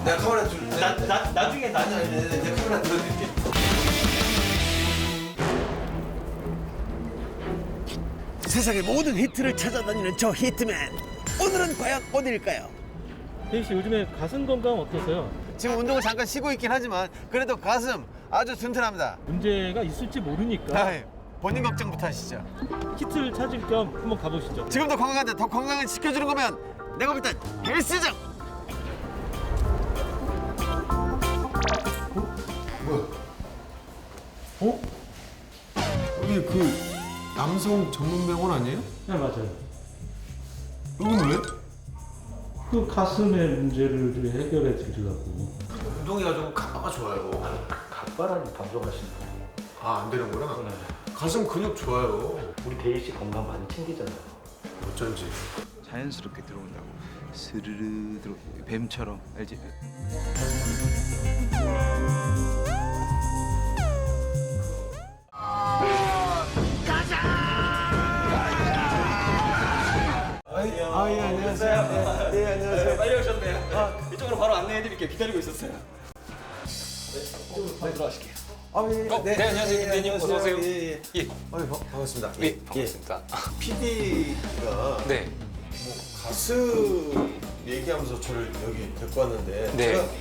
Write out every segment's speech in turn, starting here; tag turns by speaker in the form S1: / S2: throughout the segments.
S1: 내가 카메라 줄.
S2: 나중에
S1: 내가 카메라 들어줄게.
S3: 세상의 모든 히트를 찾아다니는 저 히트맨. 오늘은 과연 어디일까요?
S2: 혜인 씨 요즘에 가슴 건강 어떠세요?
S3: 지금 운동을 잠깐 쉬고 있긴 하지만 그래도 가슴 아주 튼튼합니다.
S2: 문제가 있을지 모르니까
S3: 아이, 본인 걱정부터 하시죠.
S2: 키트를 찾을 겸 한번 가보시죠.
S3: 지금도 건강한데 더 건강을 지켜주는 거면 내가 볼 땐 헬스장.
S1: 뭐야?
S2: 어?
S1: 여기 그 남성 전문 병원 아니에요?
S2: 네 맞아요.
S1: 여기는 왜?
S2: 그 가슴의 문제를 좀 해결해 드리려고.
S1: 운동해가지고 가빠가 좋아요.
S4: 각바라니 방송하시는
S1: 아, 안 되는구나. 가슴 근육 좋아요.
S4: 우리 대희 씨 건강 많이 챙기잖아요.
S1: 어쩐지.
S5: 자연스럽게 들어온다고 스르르 들어 뱀처럼 알지?
S3: 예, 안녕하세요. 네, 안녕하세요.
S6: 빨리 오셨네요. 이쪽으로 바로 안내해드릴게요. 기다리고 있었어요. 바로 들어가실게요.
S3: 네,
S6: 안녕하세요. 김대님. 어서 오세요.
S3: 예.
S6: 예,
S1: 반갑습니다.
S6: 예, 반갑습니다.
S1: PD가
S6: 네,
S1: 뭐 가슴 얘기하면서 저를 여기 데리고 왔는데
S6: 네.
S1: 제가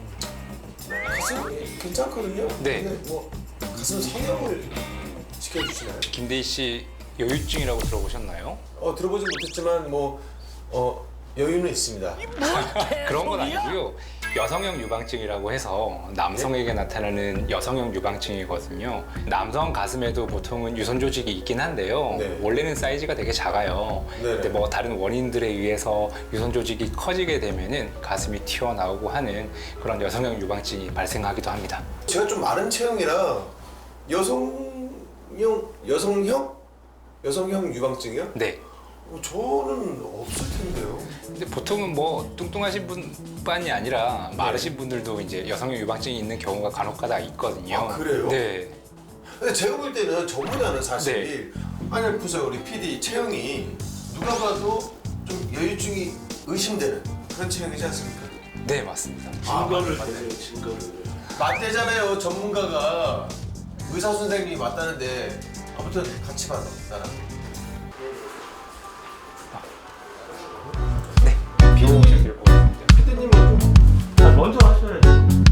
S1: 가슴 괜찮거든요.
S6: 네.
S1: 근데 뭐 가슴 성형을 시켜주시나요?
S6: 김대희 씨 여유증이라고 들어보셨나요?
S1: 들어보진 못했지만 여유는 있습니다.
S6: 그런 건 아니고요. 여성형 유방증이라고 해서 남성에게 나타나는 여성형 유방증이거든요. 남성 가슴에도 보통은 유선 조직이 있긴 한데요.
S1: 네.
S6: 원래는 사이즈가 되게 작아요.
S1: 네.
S6: 근데 뭐 다른 원인들에 의해서 유선 조직이 커지게 되면은 가슴이 튀어나오고 하는 그런 여성형 유방증이 발생하기도 합니다.
S1: 제가 좀 마른 체형이라 여성형 유방증이요?
S6: 네.
S1: 저는 없을 텐데요.
S6: 근데 보통은 뭐 뚱뚱하신 분뿐이 아니라 마르신 분들도 이제 여성형 유방증이 있는 경우가 간혹가다 있거든요.
S1: 아, 그래요?
S6: 네.
S1: 근데 제가 볼 때는 저보다는 사실 아니 보세요, 우리 PD 체형이 누가 봐도 좀 여유증이 의심되는 그런 체형이지 않습니까?
S6: 네, 맞습니다.
S1: 증거를 대세요, 증거를. 맞대잖아요, 전문가가. 의사 선생님이 맞다는데 아무튼 같이 봐, 나랑.
S6: 네. 비용실 들고 있습니다.
S1: PD님은 좀
S2: 먼저 하셔야죠.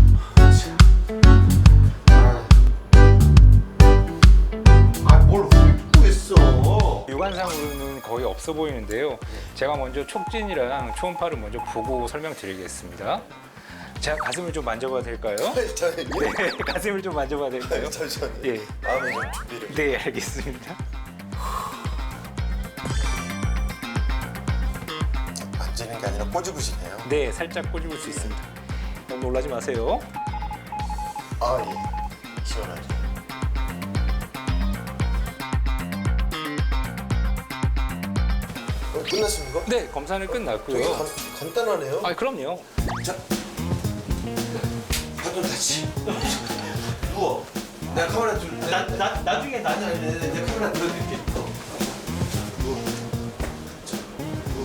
S1: 뭘 훑고 있어.
S6: 육안상으로는 거의 없어 보이는데요. 제가 먼저 촉진이랑 초음파를 먼저 보고 설명드리겠습니다. 제가 가슴을 좀 만져봐도 될까요? 네, 가슴을 좀 만져봐도 될까요?
S1: 잠시만요.
S6: 예.
S1: 마음의 좀 준비를.
S6: 네, 알겠습니다.
S1: 만지는 게 아니라 꼬집으시네요.
S6: 네, 살짝 꼬집을 수 있습니다. 너무 놀라지 마세요.
S1: 아, 예. 시원하죠. 끝났습니까?
S6: 네, 검사는
S1: 되게
S6: 끝났고요.
S1: 간단하네요.
S6: 아, 그럼요.
S1: 자, 바톤 타치. 누워. 내가 카메라 줄.
S2: 나중에
S1: 내가 카메라 들어줄게. 누워. 자, 누워.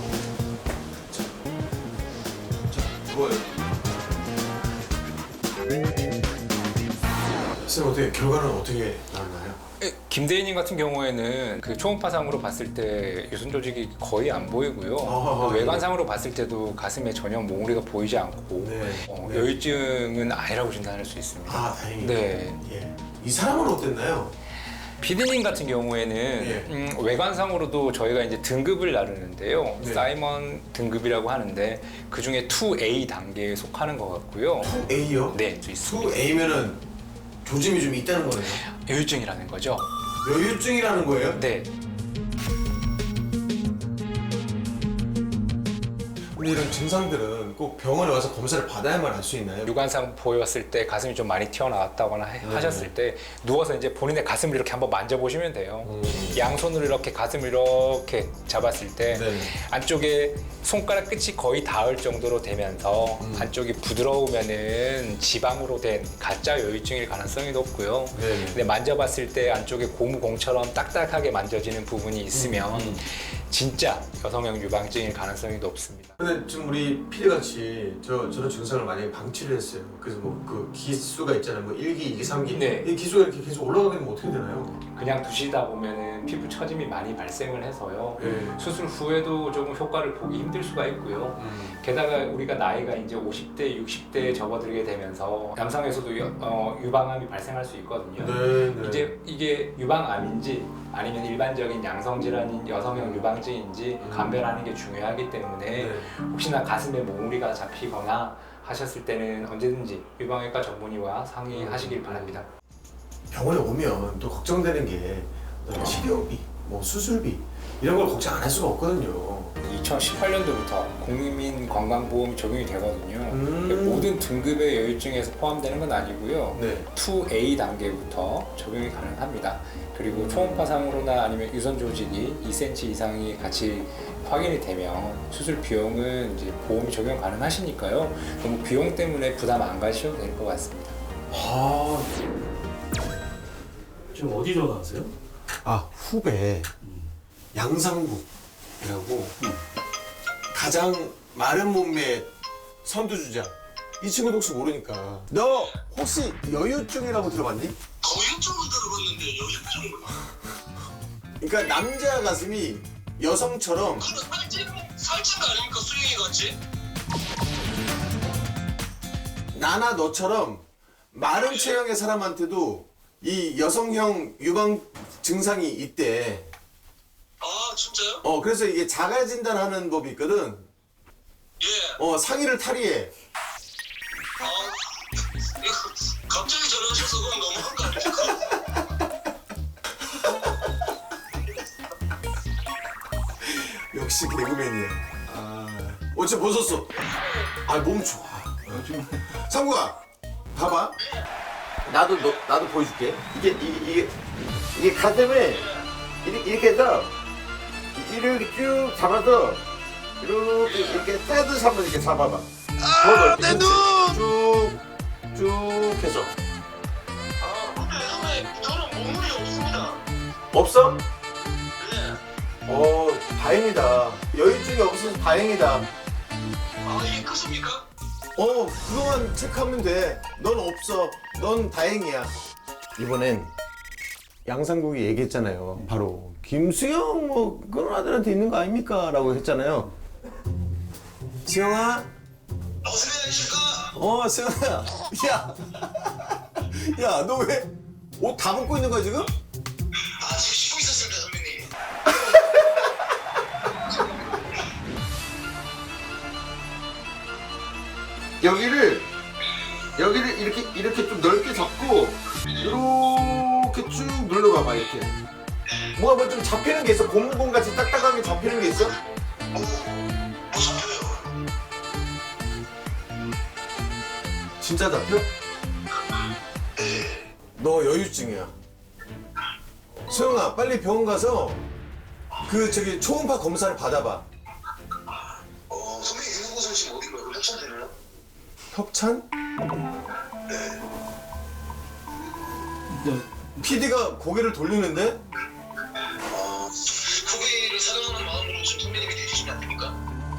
S1: 자, 누워요. 쌤, 어떻게 결과는 어떻게 나왔나요?
S6: 김대희님 같은 경우에는 그 초음파상으로 봤을 때 유선 조직이 거의 안 보이고요.
S1: 아,
S6: 외관상으로 봤을 때도 가슴에 전혀 몽우리가 보이지 않고
S1: 네. 네.
S6: 여유증은 아니라고 진단할 수 있습니다.
S1: 아, 다행이네.
S6: 네.
S1: 예. 이 사람은 어땠나요?
S6: 피디님 같은 경우에는
S1: 예.
S6: 외관상으로도 저희가 이제 등급을 나누는데요.
S1: 네.
S6: 사이먼 등급이라고 하는데 그 중에 2A 단계에 속하는 것 같고요.
S1: 2A요?
S6: 네, 또 있습니다.
S1: 2A면은 조짐이 좀 있다는 거네요.
S6: 여유증이라는 거죠.
S1: 여유증이라는 거예요?
S6: 네.
S1: 근데 이런 증상들은 꼭 병원에 와서 검사를 받아야만 알 수 있나요?
S6: 육안상 보였을 때 가슴이 좀 많이 튀어나왔다거나 하셨을 때 누워서 이제 본인의 가슴을 이렇게 한번 만져보시면 돼요. 양손으로 이렇게 가슴을 이렇게 잡았을 때
S1: 네.
S6: 안쪽에 손가락 끝이 거의 닿을 정도로 되면서 안쪽이 부드러우면은 지방으로 된 가짜 여유증일 가능성이 높고요.
S1: 네.
S6: 근데 만져봤을 때 안쪽에 고무공처럼 딱딱하게 만져지는 부분이 있으면 진짜 여성형 유방증일 가능성이 높습니다.
S1: 근데 지금 우리 PD 같이 저런 증상을 만약에 방치를 했어요. 그래서 뭐 그 기수가 있잖아요. 뭐 1기, 2기, 3기.
S6: 네.
S1: 이 기수가 이렇게 계속 올라가게 되면 어떻게 되나요?
S6: 그냥 두시다 보면은 피부 처짐이 많이 발생을 해서요.
S1: 네.
S6: 수술 후에도 조금 효과를 보기 힘들 수가 있고요. 게다가 우리가 나이가 이제 50대, 60대에 접어들게 되면서 남성에서도 유방암이 발생할 수 있거든요.
S1: 네.
S6: 이제 이게 유방암인지 아니면 일반적인 양성 질환인 여성형 유방증인지 감별하는 게 중요하기 때문에
S1: 네.
S6: 혹시나 가슴에 몽우리가 잡히거나 하셨을 때는 언제든지 유방외과 전문의와 상의하시길 바랍니다.
S1: 병원에 오면 또 걱정되는 게 치료비, 뭐 수술비 이런 걸 걱정 안 할 수가 없거든요.
S6: 2018년도부터 국민 건강보험이 적용이 되거든요. 모든 등급의 여유증에서 포함되는 건 아니고요.
S1: 네.
S6: 2A 단계부터 적용이 가능합니다. 그리고 초음파상으로나 아니면 유선 조직이 2cm 이상이 같이 확인이 되면 수술 비용은 이제 보험이 적용 가능하시니까요. 너무 비용 때문에 부담 안 가셔도 될 것 같습니다.
S1: 아,
S2: 지금 어디 전화하세요?
S1: 후배 양상국이라고 가장 마른 몸매 선두주자. 이 친구도 혹시 모르니까. 너 혹시 여유증이라고 들어봤니?
S7: 여유증은 들어봤는데 여유증은
S1: 그러니까 남자 가슴이 여성처럼
S7: 그럼 살찐 거 아닙니까 수영이 같이?
S1: 나나 너처럼 마른 체형의 사람한테도 이 여성형 유방 증상이 있대.
S7: 아 진짜요?
S1: 그래서 이게 자가 진단하는 법이 있거든.
S7: 예.
S1: 상의를 탈의해.
S7: 이거 갑자기 전화하셔서 그건 너무한 거 아닙니까?
S1: 역시 개그맨이야. 어째 벗었어. 몸 좋아. 상구야, 봐봐. 나도 보여줄게. 이게 가슴을 이렇게 해서 이렇게 쭉 잡아서 이렇게 떼듯이 한번 이렇게 잡아봐. 내 눈! 쭉 해서.
S7: 근데 선배 저는 몸물이 없습니다.
S1: 없어?
S7: 네.
S1: 다행이다. 여유증이 없어서 다행이다.
S7: 이게 끝입니까?
S1: 그거만 체크하면 돼. 넌 없어. 넌 다행이야. 이번엔 양상국이 얘기했잖아요. 바로 김수영 뭐 그런 아들한테 있는 거 아닙니까? 라고 했잖아요. 수영아?
S7: 선배님이실까?
S1: 수영아. 야, 너 왜 옷 다 벗고 있는 거야 지금?
S7: 지금 쉬고 있었습니다 선배님.
S1: 여기를 이렇게 좀 넓게 잡고 이렇게 쭉 눌러봐봐 이렇게. 뭐가 좀 잡히는 게 있어? 고무공 같이 딱딱하게 잡히는 게 있어? 진짜 잡혀? 너 여유증이야. 수영아, 빨리 병원 가서 초음파 검사를 받아봐.
S7: 선배님 있는 곳은 지금 어딘가요? 협찬 되나요?
S1: 협찬? PD가 고개를 돌리는데?
S7: 후배를 사랑하는 마음으로 지금 선배님이 해주시면 안 됩니까?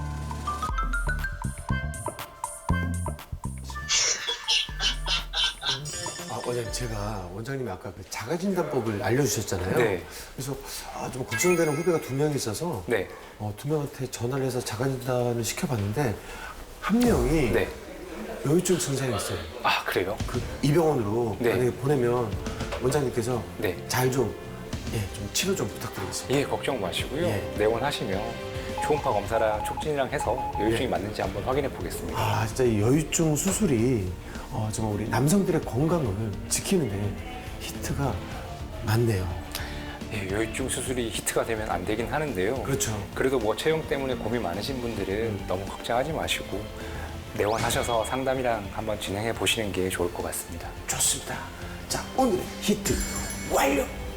S1: 원장님, 제가 원장님이 아까 그 자가진단법을 알려주셨잖아요.
S6: 네.
S1: 그래서 좀 걱정되는 후배가 2명이 있어서
S6: 네.
S1: 2명한테 전화를 해서 자가진단을 시켜봤는데 한 명이
S6: 네.
S1: 여유증 증상이 있어요.
S6: 아, 그래요?
S1: 이 병원으로
S6: 네.
S1: 만약에 보내면 원장님께서
S6: 네.
S1: 잘 좀 치료 좀 부탁드리겠습니다.
S6: 예, 걱정 마시고요.
S1: 예.
S6: 내원하시면 초음파 검사랑 촉진이랑 해서 여유증이 맞는지 한번 확인해 보겠습니다.
S1: 진짜 이 여유증 수술이 정말 우리 남성들의 건강을 지키는데 히트가 많네요.
S6: 예, 여유증 수술이 히트가 되면 안 되긴 하는데요.
S1: 그렇죠.
S6: 그래도 뭐 체형 때문에 고민 많으신 분들은 너무 걱정하지 마시고 내원하셔서 상담이랑 한번 진행해 보시는 게 좋을 것 같습니다.
S1: 좋습니다. 자, 오늘의 히트 완료!